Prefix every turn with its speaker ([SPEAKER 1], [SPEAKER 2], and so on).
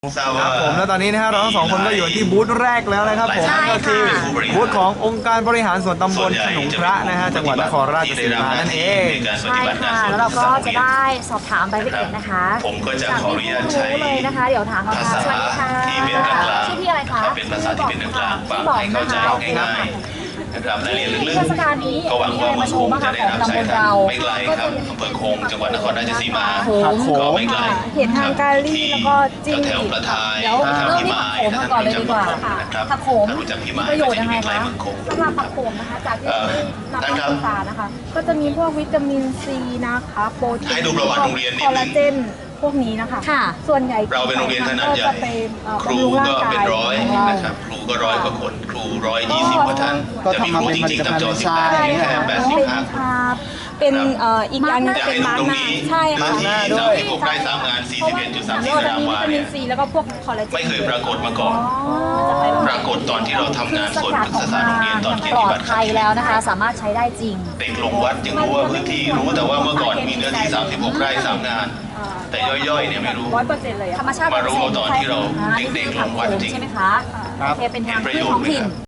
[SPEAKER 1] ครับผมแล้วตอนนี้นะฮะเราทั้งสองคนก็อยู่ที่บูธแรกแล้วนะครับผมก็คือบูธขององค์การบริหารส่วนตำบลขนงพระนะฮะจังหวัดนครราชสีมานั่นเอง
[SPEAKER 2] ใช่ค่ะแล้วเราก็จะได้สอบถามรายละเอียดนะคะ
[SPEAKER 3] ผมก็จะ
[SPEAKER 2] จาก
[SPEAKER 3] ขออนุญาตใช้
[SPEAKER 2] รู้เลยนะคะ เดี๋ยวถามเขา
[SPEAKER 3] ภา
[SPEAKER 2] ค่ะ
[SPEAKER 3] ษา
[SPEAKER 2] สวัสดีค่ะ
[SPEAKER 3] ที่เป็นกลางๆ
[SPEAKER 2] ชื่อพี่อะไรคะ
[SPEAKER 3] เป็นภาษาที่เป็นกลางๆฟังให้เข้าใจง่ายๆนะครับรายละเอียดลึก
[SPEAKER 2] เทศกาลนี้
[SPEAKER 3] ๆก็หวังว่า
[SPEAKER 2] มา
[SPEAKER 3] มัน
[SPEAKER 2] โช
[SPEAKER 3] ค
[SPEAKER 2] ว์
[SPEAKER 3] ง
[SPEAKER 2] บ้าง
[SPEAKER 3] จะ
[SPEAKER 2] คะ
[SPEAKER 3] ได้
[SPEAKER 2] ของ
[SPEAKER 3] รับ
[SPEAKER 2] ตำ
[SPEAKER 3] สา
[SPEAKER 2] บ
[SPEAKER 3] ย
[SPEAKER 2] ล
[SPEAKER 3] ทา
[SPEAKER 2] เรา
[SPEAKER 3] งไม่ไกลครับอำเภอคงจังหวัดนครราชสีมาก็ไม่ไกล
[SPEAKER 2] เห็นทางการีแล้วก็จิ้ง
[SPEAKER 3] แถวประทาย
[SPEAKER 2] เดี๋ยว
[SPEAKER 3] แถว
[SPEAKER 2] เริ่ม
[SPEAKER 3] พิ
[SPEAKER 2] ที่
[SPEAKER 3] มา
[SPEAKER 2] ผัก
[SPEAKER 3] ย
[SPEAKER 2] โขมมาก่อนเลยดีกว่าค่ะ
[SPEAKER 3] นะครับ
[SPEAKER 2] ผักโขม
[SPEAKER 3] ถ้ารู้จักพิ
[SPEAKER 2] มี
[SPEAKER 3] มาย
[SPEAKER 2] ประโยชน์ยังไง
[SPEAKER 3] ก็จะ
[SPEAKER 2] คะ
[SPEAKER 3] มีใกล้เมืองคง
[SPEAKER 2] สำหรับผักโขมนะคะจากที่นำ
[SPEAKER 3] ท่าน
[SPEAKER 2] มา
[SPEAKER 3] ครับ
[SPEAKER 2] ศึกษานะคะ ก็จะมีพวกวิตามินซีนะคะโปรตีน
[SPEAKER 3] ให้ดูประวัติโรงเรียนนิดนึง
[SPEAKER 2] คอลลาเจนพวกนี้นะคะ
[SPEAKER 4] ค่ะ
[SPEAKER 2] ส่วนใหญ่
[SPEAKER 3] เราเป็นโรงเรียนขนาดใหญ่
[SPEAKER 2] ก็จะไป
[SPEAKER 3] ครู
[SPEAKER 2] บำรุงร่าง
[SPEAKER 3] ก็
[SPEAKER 2] กาย
[SPEAKER 3] เป็นร้อย
[SPEAKER 2] ของเรา
[SPEAKER 3] นะครับครูก็ร้อยกว่าคนครู120กว่าท่าน
[SPEAKER 1] ก็
[SPEAKER 3] จะมี
[SPEAKER 1] ทำ
[SPEAKER 3] ค
[SPEAKER 1] มา
[SPEAKER 3] รู
[SPEAKER 1] เป็น
[SPEAKER 3] จ
[SPEAKER 1] ผลิ
[SPEAKER 3] ริง
[SPEAKER 1] ต
[SPEAKER 3] ๆ
[SPEAKER 1] ภั
[SPEAKER 3] ทั้
[SPEAKER 1] ณ
[SPEAKER 3] ง
[SPEAKER 1] ฑ์
[SPEAKER 3] จอ
[SPEAKER 1] เป็น
[SPEAKER 3] สิบ
[SPEAKER 1] ทราย
[SPEAKER 3] แป
[SPEAKER 1] อย่าง
[SPEAKER 3] ด
[SPEAKER 1] เงี้ย
[SPEAKER 3] 85
[SPEAKER 2] ค่ะเป็นอีกอย่างหนึง
[SPEAKER 3] อยาก
[SPEAKER 2] เป็น
[SPEAKER 3] ให้
[SPEAKER 2] มาร์ก
[SPEAKER 3] ตรง
[SPEAKER 2] ห
[SPEAKER 3] นี้
[SPEAKER 2] น้าใช่ค่ะ
[SPEAKER 3] พื้นที่36ไร่3งาน
[SPEAKER 2] เพราะว่า
[SPEAKER 3] 41.34 ตารางวา
[SPEAKER 2] วิตามิ
[SPEAKER 3] เนี่
[SPEAKER 2] น
[SPEAKER 3] ย
[SPEAKER 2] ซีแล้วก็พวกคอลลาเจน
[SPEAKER 3] ไม่เคยปรากฏมาก่อน
[SPEAKER 2] จะไป
[SPEAKER 3] ปรากฏตอนที่เราทำงานสวนพฤกษศาสตร์โรงเรียนตอนเกียร
[SPEAKER 4] ปล
[SPEAKER 3] ติ
[SPEAKER 4] อ
[SPEAKER 3] บั
[SPEAKER 4] ด
[SPEAKER 3] ตร
[SPEAKER 4] ภัยแล้วนะคะ สามารถใช้ได้จริง
[SPEAKER 3] เด็กลงวัดจึงรู้ว่าพื้นที่รู้แต่ว่าเมื่อก่อนมีเนื้อที่36ไร่3งาน แต่ย่อยๆเนี่ยไม่รู้
[SPEAKER 2] 100%เลย
[SPEAKER 4] ธรรมชาติ
[SPEAKER 3] มารู้เอาตอนที่เราเด็กๆลงวัดจริง
[SPEAKER 4] ใช่ไหมคะ
[SPEAKER 1] ครับ
[SPEAKER 4] โอเคเป็นทาง
[SPEAKER 3] เห็นประ
[SPEAKER 4] พื
[SPEAKER 3] โย
[SPEAKER 4] ช
[SPEAKER 3] ชน์
[SPEAKER 4] ท้องถิ่น
[SPEAKER 3] ไหมครับ